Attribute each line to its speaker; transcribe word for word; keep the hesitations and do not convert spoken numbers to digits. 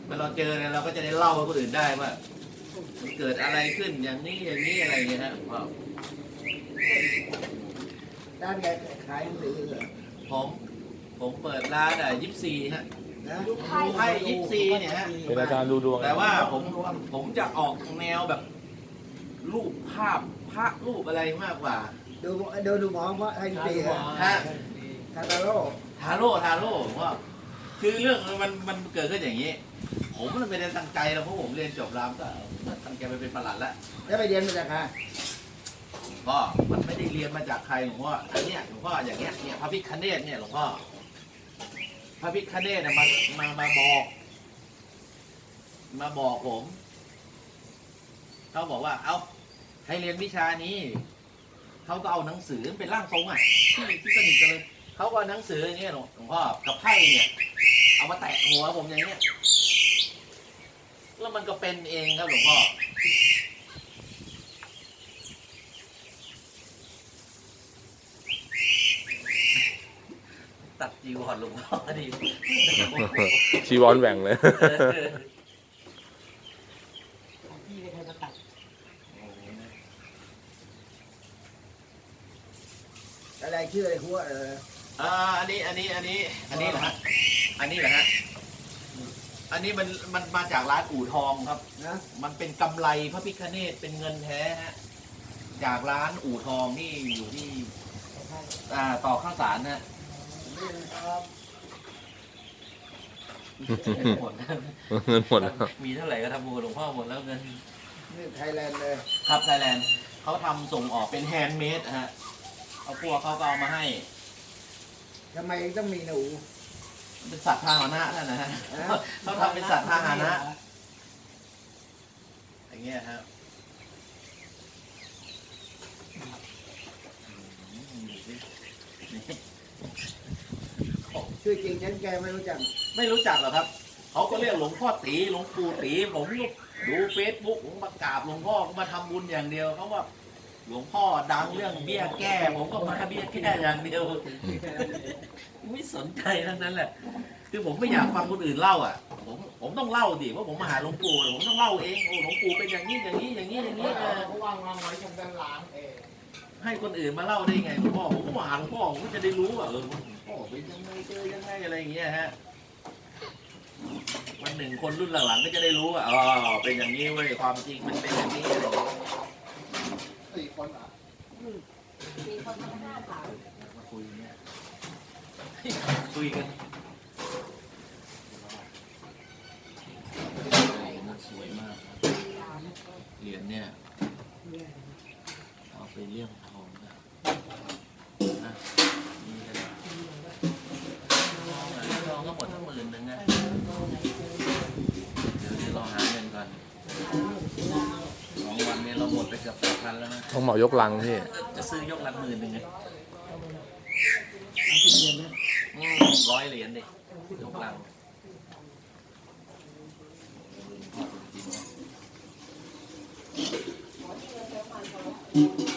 Speaker 1: เมื่อเราเจอเนี่ยเราก็จะได้เล่าให้คนอื่นได้ว่ามันเกิดอะไรขึ้นอย่างนี้อย่างนี้อะไรเงี้ยฮะพ่อ
Speaker 2: ด้านแกขายหนังสือเหรอ
Speaker 1: ผมผมเปิดร้านอ่ะยิปซีฮะ
Speaker 2: นะ
Speaker 1: ดูไพ่ยิปซีเนี่ยฮะ
Speaker 3: เป็นอาจารย์ดูดวง
Speaker 1: แต่ว่าผมผมจะออกแนวแบบรูปภาพพระรูปอะไรมากกว่า
Speaker 2: ดูดูดูหมอเพราะไทยดีฮะ
Speaker 1: ฮะ
Speaker 2: คาตาโร่
Speaker 1: ทาโร่ทาโร่ผมว่าคือเรื่องมันมันเกิดขึ้นอย่างนี้ ผมมันไม่ได้ตั้งใจแล้วเพราะผมเรียนจบรามก็ตั้งใจไปเป็นประหลัดแล้ว
Speaker 2: แล้วไปเรียนมาจากใคร
Speaker 1: ก็มันไม่ได้เรียนมาจากใครหลวงพ่ออันเนี้ยหลวงพ่ออย่างเงี้ยเนี่ยพระพิฆเนศเนี่ยหลวงพ่อพระพิฆเนศเนี่ยมามามาบอก มาบอกผมเขาบอกว่า เอาให้เรียนวิชานี้เขาก็เอาหนังสือเป็นร่างทรงอ่ะที่ที่สนิทกันเลยเขาก็เอาหนังสืออย่างเงี้ยหลวงพ่อกับไพ่เนี่ย เอามาแตะหัวผมอย่างเงี้ยแล้วมันก็เป็นเองครับหลวงพ่อตัดจีวรหลวงพ่อดี
Speaker 3: ชีวรแหว่งเลย
Speaker 2: พี่ไม่เคยมาตัดอะไรชื่ออะไรหัวเออ
Speaker 1: อ่าอันนี้อันนี้อันนี้อันนี้เหรอฮะอันนี้เหรอฮะอันนี้มันมันมาจากร้านอู่ทองครับ
Speaker 2: นะ
Speaker 1: มันเป็นกำไรพระพิฆเนศเป็นเงินแท้ฮะจากร้านอู่ทองที่อยู่ที่อ่าต่อข้าวสารนะ
Speaker 2: นี่นะครับ
Speaker 1: หมดแล้ว
Speaker 3: เงินหมดแล้ว
Speaker 1: มีเท่าไหร่ก็ทำบุญหลวงพ่อหมดแล้วเงิน
Speaker 2: นี่ไทยแลนด์เลย
Speaker 1: ครับไทยแลนด์เขาทำส่งออกเป็นแฮนด์เมดฮะเอาพวกเขาก็เอามาให้
Speaker 2: ทำไมต้องมีหนู
Speaker 1: เป็นสัตว์พาหนะนั่นนะฮะเขาทำเป็นสัตว์พาหนะอย่างเงี้ยครับ
Speaker 2: ชื่อจริงฉันแกไม่รู้จัก
Speaker 1: ไม่รู้จักหรอกครับ เขาก็เรียกหลวงพ่อตีหลวงปู่ตีผมดูเฟซบุ๊กผมมากราบหลวงพ่อก็มาทำบุญอย่างเดียวเขาว่าหลวงพ่อดังเรื่องเบี้ยแก้ ผมก็มาเบี้ยแก้อย่างเดียวไม่สนใจทั้งนั้นแหละคือผมไม่อยากฟังคนอื่นเล่าอ่ะ ผมผมต้องเล่าดิว่าผมมาหาหลวงปู่ผมต้องเล่าเองโอ้หลวงปู่เป็นอย่างนี้อย่างนี้อย่างนี้อย่างนี้เออ
Speaker 2: เขาวางวางไว้ตรงด้านหลังเออ
Speaker 1: ให้คนอื่นมาเล่าได้ไงหลวงพ่อผมก็มาหาหลวงพ่อผมก็จะได้รู้ว่าเออหลวงพ่อเป็นยังไงเจอยังไงอะไรอย่างเงี้ยฮะวันหนึ่งคนรุ่นหลังๆก็จะได้รู้ว่าอ๋อเป็นอย่างนี้เว้ยความจริงมันเป็นอย่างนี้อะไรอย่างเงี้ย
Speaker 2: สี่คนอ่ะ
Speaker 4: มีคนทำหน้าขาว
Speaker 1: มาคุยเนี่ยคุยกันสวยมากเหรียญเนี่ยเอาไปเลี่ยมทองนะนะนี่ก็ได้ทองอ่ะทองก็หมดทั้งหมื่นหนึ่งนะเดี๋ยวเดี๋ยวเราหาเงินก่อนสองวันนี้เราหมดไปเกือบแปดพันแล้วนะ
Speaker 3: ต้องเหมายกลังพี่
Speaker 1: จะซื้อยกลังหมื่นหนึ่งไงอืมร้อยเหรียญดิยกลังจริงๆ